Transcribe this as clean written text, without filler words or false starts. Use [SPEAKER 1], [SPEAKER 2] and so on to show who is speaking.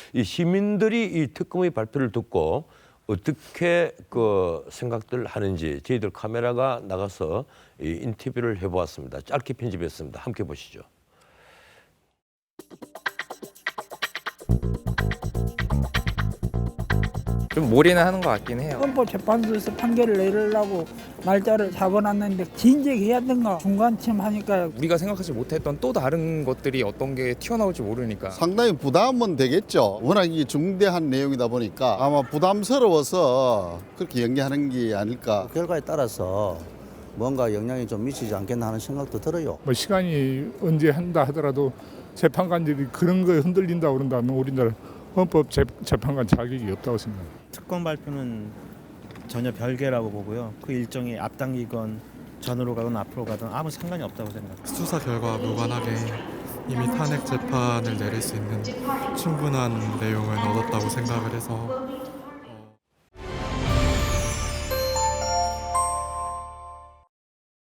[SPEAKER 1] 이 시민들이 이 특검의 발표를 듣고 어떻게 그 생각들 하는지 저희들 카메라가 나가서 이 인터뷰를 해보았습니다. 짧게 편집했습니다. 함께 보시죠.
[SPEAKER 2] 좀 몰이는 하는 것 같긴 해요.
[SPEAKER 3] 헌법재판소에서 판결을 내리려고 날짜를 잡아놨는데 진작해야 된가 중간쯤 하니까
[SPEAKER 2] 우리가 생각하지 못했던 또 다른 것들이 어떤 게 튀어나올지 모르니까
[SPEAKER 4] 상당히 부담은 되겠죠. 워낙 이 중대한 내용이다 보니까 아마 부담스러워서 그렇게 연기하는 게 아닐까.
[SPEAKER 5] 결과에 따라서 뭔가 영향이 좀 미치지 않겠나 하는 생각도 들어요.
[SPEAKER 6] 뭐 시간이 언제 한다 하더라도 재판관들이 그런 거에 흔들린다고 그런다면 우리나라 헌법 재판관 자격이 없다고 생각합니다.
[SPEAKER 7] 특검 발표는 전혀 별개라고 보고요. 그 일정이 앞당기건 전으로 가건 앞으로 가든 아무 상관이 없다고 생각합니다.
[SPEAKER 8] 수사 결과와 무관하게 이미 탄핵 재판을 내릴 수 있는 충분한 내용을 얻었다고 생각을 해서